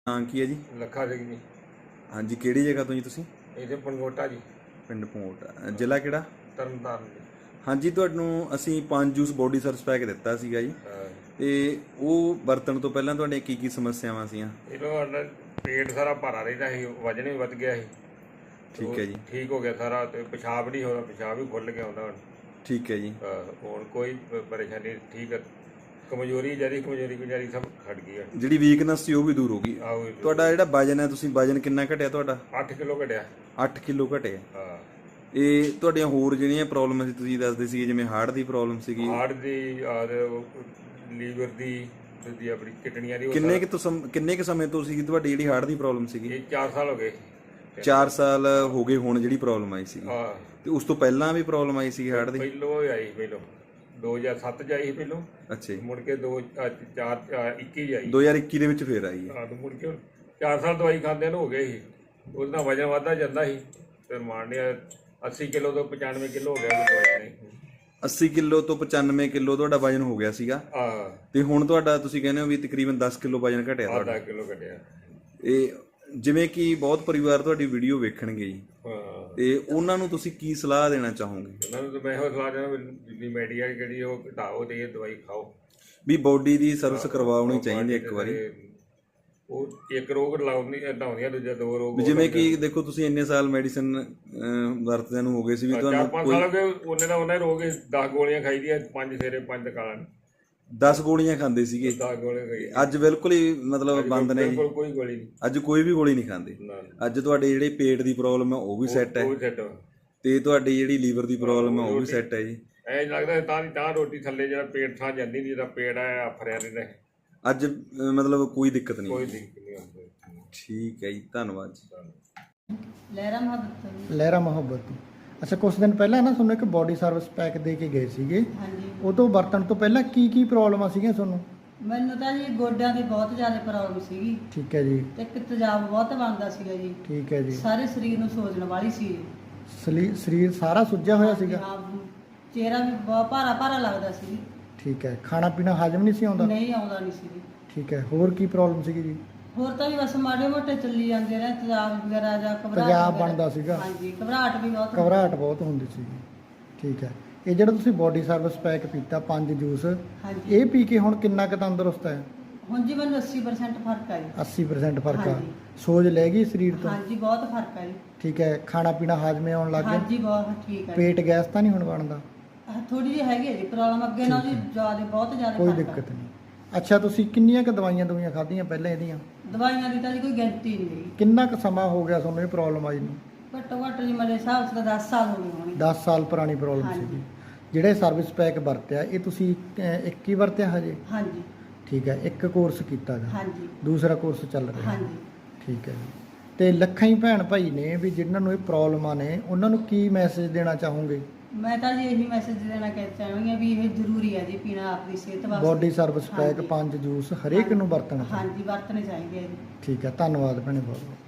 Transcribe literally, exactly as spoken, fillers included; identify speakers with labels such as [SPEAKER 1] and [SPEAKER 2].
[SPEAKER 1] ਨਾਂ ਕੀ ਹੈ ਜੀ?
[SPEAKER 2] ਲੱਖਾ ਸਿੰਘ ਜੀ।
[SPEAKER 1] ਹਾਂਜੀ, ਕਿਹੜੀ ਜਗ੍ਹਾ ਤੋਂ ਜੀ ਤੁਸੀਂ?
[SPEAKER 2] ਇਹਦੇ ਪੰਗੋਟਾ ਜੀ,
[SPEAKER 1] ਪਿੰਡ ਪੋਟ, ਜ਼ਿਲ੍ਹਾ ਕਿਹੜਾ?
[SPEAKER 2] ਤਰਨਤਾਰਨ ਜੀ।
[SPEAKER 1] ਹਾਂਜੀ, ਤੁਹਾਨੂੰ ਅਸੀਂ ਪੰਜ ਜੂਸ ਬੋਡੀ ਸਰਵਿਸ ਪੈਕ ਦਿੱਤਾ ਸੀਗਾ ਜੀ,
[SPEAKER 2] ਹਾਂ।
[SPEAKER 1] ਤੇ ਉਹ ਵਰਤਣ ਤੋਂ ਪਹਿਲਾਂ ਤੁਹਾਡੀਆਂ ਕੀ ਕੀ ਸਮੱਸਿਆਵਾਂ ਸੀਆਂ?
[SPEAKER 2] ਇਹਨੂੰ ਸਾਡਾ ਪੇਟ ਸਾਰਾ ਭਾਰਾ ਰਹਿੰਦਾ ਸੀ, ਵਜਨ ਵੀ ਵੱਧ ਗਿਆ ਸੀ।
[SPEAKER 1] ਠੀਕ ਹੈ ਜੀ।
[SPEAKER 2] ਠੀਕ ਹੋ ਗਿਆ ਸਾਰਾ, ਤੇ ਪਿਸ਼ਾਬ ਨਹੀਂ ਹੋਦਾ, ਪਿਸ਼ਾਬ ਵੀ ਖੁੱਲ ਗਿਆ ਹੁੰਦਾ ਹੁਣ।
[SPEAKER 1] ਠੀਕ ਹੈ ਜੀ।
[SPEAKER 2] ਹਾਂ, ਹੁਣ ਕੋਈ ਪ- ਪਰੇਸ਼ਾਨੀ ਨਹੀਂ, ਠੀਕ ਹੈ। ਕਮਜ਼ੋਰੀ ਜਿਹੜੀ ਕਮਜ਼ੋਰੀ ਗੁਜ਼ਾਰੀ ਸਭ ਖੜ ਗਈ ਹੈ।
[SPEAKER 1] ਜਿਹੜੀ ਵੀਕਨੈਸ ਸੀ ਉਹ ਵੀ ਦੂਰ ਹੋ ਗਈ।
[SPEAKER 2] ਆਹੋ,
[SPEAKER 1] ਤੁਹਾਡਾ ਜਿਹੜਾ ਵਜਨ ਹੈ, ਤੁਸੀਂ ਵਜਨ ਕਿੰਨਾ ਘਟਿਆ ਤੁਹਾਡਾ?
[SPEAKER 2] ਅੱਠ ਕਿਲੋ ਘਟਿਆ।
[SPEAKER 1] ਅੱਠ ਕਿਲੋ ਘਟਿਆ।
[SPEAKER 2] ਹਾਂ।
[SPEAKER 1] ਇਹ ਤੁਹਾਡੀਆਂ ਹੋਰ ਜਿਹੜੀਆਂ ਪ੍ਰੋਬਲਮ ਸੀ ਤੁਸੀਂ ਦੱਸਦੇ ਸੀ, ਜਿਵੇਂ ਹਾਰਟ ਦੀ ਪ੍ਰੋਬਲਮ ਸੀਗੀ,
[SPEAKER 2] ਹਾਰਟ ਦੀ ਔਰ ਲੀਵਰ ਦੀ, ਦੂਜੀ ਆਪਣੀ ਕਿਡਨੀਆਂ ਦੀ। ਉਹ
[SPEAKER 1] ਕਿੰਨੇ
[SPEAKER 2] ਸਾਰਾ-
[SPEAKER 1] ਕਿ ਤੋਂ ਕਿੰਨੇ ਕੁ ਸਮੇਂ ਤੋਂ ਸੀਗੀ ਤੁਹਾਡੀ ਜਿਹੜੀ ਹਾਰਟ ਦੀ ਪ੍ਰੋਬਲਮ ਸੀਗੀ?
[SPEAKER 2] ਇਹ ਚਾਰ ਸਾਲ ਹੋ ਗਏ।
[SPEAKER 1] ਚਾਰ ਸਾਲ ਹੋ ਗਏ ਹੁਣ ਜਿਹੜੀ ਪ੍ਰੋਬਲਮ ਆਈ ਸੀਗੀ।
[SPEAKER 2] ਹਾਂ,
[SPEAKER 1] ਤੇ ਉਸ ਤੋਂ ਪਹਿਲਾਂ ਵੀ ਪ੍ਰੋਬਲਮ ਆਈ ਸੀ ਹਾਰਟ ਦੀ?
[SPEAKER 2] ਪਹਿਲੋਂ ਹੀ ਆਈ, ਪਹਿਲੋਂ ਦੋ ਹਜ਼ਾਰ ਸੱਤ ਚ ਆਈ ਪਹਿਲੋਂ।
[SPEAKER 1] ਅੱਛਾ ਜੀ।
[SPEAKER 2] ਮੁੜ ਕੇ ਦੋ ਅ, ਚਾਰ ਅ, ਇੱਕੀ ਚ ਆਈ।
[SPEAKER 1] ਦੋ ਹਜ਼ਾਰ ਇੱਕੀ ਦੇ ਵਿੱਚ ਫੇਰ ਆਈ ਹੈ।
[SPEAKER 2] ਹਾਂ, ਤੇ ਮੁੜ ਕੇ ਚਾਰ ਸਾਲ ਦਵਾਈ ਖਾਂਦੇ ਨੂੰ ਹੋ ਗਏ ਸੀ। ਉਹਦੇ ਨਾਲ ਵਜਨ ਵੱਧਦਾ ਜਾਂਦਾ ਸੀ, ਫਿਰ ਮਾਣ ਲਿਆ ਅੱਸੀ ਕਿਲੋ ਤੋਂ ਪਚਾਨਵੇਂ ਕਿਲੋ ਹੋ ਗਿਆ ਕੋਈ ਦਵਾਈ ਨਹੀਂ।
[SPEAKER 1] ਅੱਸੀ ਕਿਲੋ ਤੋਂ ਪਚਾਨਵੇਂ ਕਿਲੋ ਤੁਹਾਡਾ ਵਜਨ ਹੋ ਗਿਆ ਸੀਗਾ,
[SPEAKER 2] ਹਾਂ,
[SPEAKER 1] ਤੇ ਹੁਣ ਤੁਹਾਡਾ ਤੁਸੀਂ ਕਹਿੰਦੇ ਹੋ ਵੀ ਤਕਰੀਬਨ ਦਸ ਕਿਲੋ ਵਜਨ ਘਟਿਆ ਤੁਹਾਡਾ।
[SPEAKER 2] ਅੱਧਾ ਕਿਲੋ ਘਟਿਆ।
[SPEAKER 1] ਇਹ ਜਿਵੇਂ ਕਿ ਬਹੁਤ ਪਰਿਵਾਰ ਤੁਹਾਡੀ ਵੀਡੀਓ ਵੇਖਣਗੇ ਜੀ,
[SPEAKER 2] ਹਾਂ,
[SPEAKER 1] ਤੇ ਉਹਨਾਂ ਨੂੰ ਤੁਸੀਂ ਕੀ ਸਲਾਹ ਦੇਣਾ ਚਾਹੋਗੇ?
[SPEAKER 2] ਉਹਨਾਂ ਨੂੰ ਤਾਂ ਮੈਂ ਇਹੋ ਸਲਾਹ ਦੇਣਾ ਵੀ ਮੀਡੀਆ ਜਿਹੜੀ ਉਹ ਘਟਾਓ ਤੇ ਇਹ ਦਵਾਈ ਖਾਓ।
[SPEAKER 1] ਵੀ ਬੋਡੀ ਦੀ ਸਰਵਿਸ ਕਰਵਾਉਣੀ ਚਾਹੀਦੀ ਇੱਕ ਵਾਰੀ।
[SPEAKER 2] ਉਹ ਇੱਕ ਰੋਗ ਲਾਉਂਦੀ ਹਟਾਉਂਦੀਆਂ, ਦੂਜਾ ਦੋ ਰੋਗ।
[SPEAKER 1] ਜਿਵੇਂ ਕਿ ਦੇਖੋ ਤੁਸੀਂ ਇੰਨੇ ਸਾਲ ਮੈਡੀਸਨ ਵਰਤਦਿਆਂ ਨੂੰ ਹੋ ਗਏ ਸੀ, ਵੀ
[SPEAKER 2] ਚਾਰ
[SPEAKER 1] ਤੁਹਾਨੂੰ
[SPEAKER 2] ਪੰਜ ਸਾਲ ਹੋ ਗਏ ਉਹਨੇ ਦਾ ਉਹਨੇ ਰੋਗ ਦਸ ਗੋਲੀਆਂ ਖਾਈ ਦੀਆਂ, ਪੰਜ ਸਵੇਰੇ ਪੰਜ ਕਾਲਾਂ,
[SPEAKER 1] ਦਸ ਗੋਲੀਆਂ ਖਾਂਦੇ ਸੀਗੇ।
[SPEAKER 2] ਦਸ ਗੋਲੀਆਂ ਖਾਈ।
[SPEAKER 1] ਅੱਜ ਬਿਲਕੁਲ ਹੀ ਮਤਲਬ ਬੰਦ ਨੇ ਜੀ?
[SPEAKER 2] ਬਿਲਕੁਲ ਕੋਈ ਗੋਲੀ ਨਹੀਂ,
[SPEAKER 1] ਅੱਜ ਕੋਈ ਵੀ ਗੋਲੀ ਨਹੀਂ ਖਾਂਦੇ।
[SPEAKER 2] ਨਾ,
[SPEAKER 1] ਅੱਜ ਤੁਹਾਡੇ ਜਿਹੜੇ ਪੇਟ ਦੀ ਪ੍ਰੋਬਲਮ ਹੈ ਉਹ ਵੀ ਸੈੱਟ ਹੈ,
[SPEAKER 2] ਉਹ ਸੈੱਟ।
[SPEAKER 1] ਤੇ ਤੁਹਾਡੀ ਜਿਹੜੀ ਲੀਵਰ ਦੀ ਪ੍ਰੋਬਲਮ ਹੈ ਉਹ ਵੀ ਸੈੱਟ ਹੈ ਜੀ।
[SPEAKER 2] ਐਂ ਲੱਗਦਾ ਤਾਂ ਦੀ ਤਾਂ ਰੋਟੀ ਥੱਲੇ ਜਿਹੜਾ ਪੇਟ ਥਾਂ ਜਾਂਦੀ ਨਹੀਂ, ਜਿਹੜਾ ਪੇਟ ਆ ਆਫਰਿਆ ਰਹਿੰਦਾ।
[SPEAKER 1] ਅੱਜ ਅਹ, ਮਤਲਬ ਕੋਈ ਦਿੱਕਤ ਨਹੀਂ?
[SPEAKER 2] ਕੋਈ ਦਿੱਕਤ ਨਹੀਂ ਆਉਂਦੀ।
[SPEAKER 1] ਠੀਕ ਹੈ ਜੀ, ਧੰਨਵਾਦ ਜੀ।
[SPEAKER 3] ਲਹਿਰਾ ਮੁਹੱਬਤ।
[SPEAKER 4] ਲਹਿਰਾ ਮੁਹੱਬਤ। ਅੱਛਾ, ਕੁਝ ਦਿਨ ਪਹਿਲਾਂ ਨਾ ਤੁਹਾਨੂੰ ਇੱਕ ਬੋਡੀ ਸਰਵਿਸ ਪੈਕ ਦੇ ਕੇ ਗਏ ਸੀਗੇ,
[SPEAKER 3] ਹਾਂਜੀ,
[SPEAKER 4] ਉਹ ਤੋਂ ਵਰਤਣ ਤੋਂ ਪਹਿਲਾਂ ਕੀ ਕੀ ਪ੍ਰੋਬਲਮਾਂ ਸੀਗੀਆਂ ਤੁਹਾਨੂੰ?
[SPEAKER 3] ਮੈਨੂੰ ਤਾਂ ਜੀ ਗੋਡਿਆਂ ਦੀ ਬਹੁਤ ਜ਼ਿਆਦਾ ਪ੍ਰੋਬਲਮ ਸੀਗੀ,
[SPEAKER 4] ਠੀਕ ਹੈ ਜੀ।
[SPEAKER 3] ਤੇ ਇੱਕ ਤੇਜ਼ਾਬ ਬਹੁਤ ਬਣਦਾ ਸੀਗਾ ਜੀ।
[SPEAKER 4] ਠੀਕ ਹੈ ਜੀ।
[SPEAKER 3] ਸਾਰੇ ਸਰੀਰ ਨੂੰ ਸੋਜਣ ਵਾਲੀ ਸੀ।
[SPEAKER 4] ਸਲੀ- ਸਰੀਰ ਸਾਰਾ ਸੁੱਜਿਆ ਹੋਇਆ ਸੀਗਾ?
[SPEAKER 3] ਹਾਂ, ਚਿਹਰਾ ਵੀ ਬਹੁਤ ਭਾਰਾ ਭਾਰਾ ਲੱਗਦਾ ਸੀ।
[SPEAKER 4] ਠੀਕ ਹੈ। ਖਾਣਾ ਪੀਣਾ ਹਜਮ ਨਹੀਂ ਸੀ ਆਉਂਦਾ?
[SPEAKER 3] ਨਹੀਂ ਆਉਂਦਾ ਨਹੀਂ ਸੀ।
[SPEAKER 4] ਠੀਕ ਹੈ। ਹੋਰ ਕੀ ਪ੍ਰੋਬਲਮ ਸੀਗੀ ਜੀ?
[SPEAKER 3] ਹੋਰ ਤਾਂ ਵੀ ਬਸ ਮਾੜੇ ਮੋਟੇ ਚੱਲੀ ਜਾਂਦੇ ਰਹੇ, ਤੇਜ਼ਾਬ ਵਗੈਰਾ ਜਾਂ ਘਬਰਾਹਟ
[SPEAKER 4] ਤੇਜ਼ਾਬ
[SPEAKER 3] ਵਗੈਰਾ।
[SPEAKER 4] ਬਣਦਾ ਸੀਗਾ?
[SPEAKER 3] ਹਾਂਜੀ, ਘਬਰਾਹਟ ਵੀ ਬਹੁਤ ਹੁੰਦੀ।
[SPEAKER 4] ਘਬਰਾਹਟ ਬਹੁਤ ਹੁੰਦੀ ਸੀਗੀ। ਠੀਕ ਹੈ। ਇਹ ਜਿਹੜਾ ਤੁਸੀਂ ਬੋਡੀ ਸਰਵਿਸ ਪੈਕ ਪੀਤਾ ਪੰਜ ਜੂਸ,
[SPEAKER 3] ਹਾਂਜੀ,
[SPEAKER 4] ਇਹ ਪੀ ਕੇ ਹੁਣ ਕਿੰਨਾ ਕੁ ਤੰਦਰੁਸਤ ਹੈ?
[SPEAKER 3] ਹੁਣ ਜੀ ਮੈਨੂੰ ਅੱਸੀ ਪਰਸੈਂਟ ਫਰਕ ਆ ਜੀ।
[SPEAKER 4] ਅੱਸੀ ਪਰਸੈਂਟ ਫਰਕ ਆ?
[SPEAKER 3] ਹਾਂਜੀ।
[SPEAKER 4] ਸੋਜ ਲੈ ਗਈ ਸਰੀਰ ਤੋਂ?
[SPEAKER 3] ਹਾਂਜੀ, ਬਹੁਤ ਫਰਕ ਆ ਜੀ।
[SPEAKER 4] ਠੀਕ ਹੈ। ਖਾਣਾ ਪੀਣਾ ਹਾਜ਼ਮੇ ਆਉਣ ਲੱਗ ਗਿਆ?
[SPEAKER 3] ਹਾਂਜੀ, ਬਹੁਤ ਠੀਕ ਆ ਜੀ।
[SPEAKER 4] ਪੇਟ ਗੈਸ ਤਾਂ ਨਹੀਂ ਹੁਣ ਬਣਦਾ?
[SPEAKER 3] ਥੋੜੀ ਜਿਹੀ ਹੈਗੀ ਹੈ ਜੀ ਪ੍ਰੋਬਲਮ, ਅੱਗੇ ਨਾਲ ਜੀ ਜ਼ਿਆਦਾ ਬਹੁਤ ਜ਼ਿਆਦਾ
[SPEAKER 4] ਕੋਈ
[SPEAKER 3] ਫਰਕ ਆ।
[SPEAKER 4] ਦਿੱਕਤ ਨਹੀਂ। ਅੱਛਾ, ਤੁਸੀਂ ਕਿੰਨੀਆਂ ਕੁ ਦਵਾਈਆਂ ਦਵਾਈਆਂ ਖਾਧੀਆਂ ਪਹਿਲਾਂ ਇਹਦੀਆਂ?
[SPEAKER 3] ਦਵਾਈਆਂ ਦੀ ਤਾਂ ਜੀ ਕੋਈ ਗਿਣਤੀ ਨਹੀਂ ਹੈਗੀ।
[SPEAKER 4] ਕਿੰਨਾ ਕੁ ਸਮਾਂ ਹੋ ਗਿਆ ਤੁਹਾਨੂੰ ਇਹ ਪ੍ਰੋਬਲਮ ਆਈ ਨੂੰ?
[SPEAKER 3] ਘੱਟੋ ਘੱਟ ਜੀ ਮੇਰੇ ਹਿਸਾਬ ਨਾਲ ਦਸ ਸਾਲ ਹੋ ਗਏ ਹੋਣਗੇ।
[SPEAKER 4] ਦਸ ਸਾਲ ਪੁਰਾਣੀ ਪ੍ਰੋਬਲਮ
[SPEAKER 3] ਹਾਂਜੀ।
[SPEAKER 4] ਸੀਗੀ। ਜਿਹੜੇ ਸਰਵਿਸ ਪੈਕ ਵਰਤਿਆ ਇਹ ਤੁਸੀਂ ਅਹ, ਇੱਕ ਹੀ ਵਰਤਿਆ ਹਜੇ?
[SPEAKER 3] ਹਾਂਜੀ,
[SPEAKER 4] ਠੀਕ ਹੈ। ਇੱਕ ਕੋਰਸ ਕੀਤਾ ਗਾ,
[SPEAKER 3] ਹਾਂਜੀ,
[SPEAKER 4] ਦੂਸਰਾ ਕੋਰਸ ਚੱਲ ਰਿਹਾ?
[SPEAKER 3] ਹਾਂਜੀ।
[SPEAKER 4] ਠੀਕ ਹੈ ਜੀ। ਤੇ ਲੱਖਾਂ ਹੀ ਭੈਣ ਭਾਈ ਨੇ ਵੀ ਜਿਨ੍ਹਾਂ ਨੂੰ ਇਹ ਪ੍ਰੋਬਲਮਾਂ ਨੇ, ਉਹਨਾਂ ਨੂੰ ਕੀ ਮੈਸੇਜ ਦੇਣਾ ਚਾਹੋਗੇ?
[SPEAKER 3] ਮੈਂ ਤਾਂ ਜੀ ਇਹੀ ਮੈਸੇਜ ਦੇਣਾ ਕਹਿ ਚਾਹਾਂਗੀ ਵੀ ਇਹ ਜ਼ਰੂਰੀ ਹੈ ਜੀ ਪੀਣਾ ਆਪਣੀ ਸਿਹਤ ਵਾਸਤੇ।
[SPEAKER 4] ਬੋਡੀ ਸਰਵਿਸ ਪੈਕ
[SPEAKER 3] ਹਾਂਜੀ।
[SPEAKER 4] ਪੰਜ ਜੂਸ ਹਰੇਕ ਨੂੰ ਵਰਤਣਾ ਚਾਹੀਦਾ?
[SPEAKER 3] ਹਾਂਜੀ, ਵਰਤਣੇ ਚਾਹੀਦੇ ਆ ਜੀ।
[SPEAKER 4] ਠੀਕ ਹੈ। ਧੰਨਵਾਦ ਭੈਣੇ ਬਹੁਤ ਬਹੁਤ।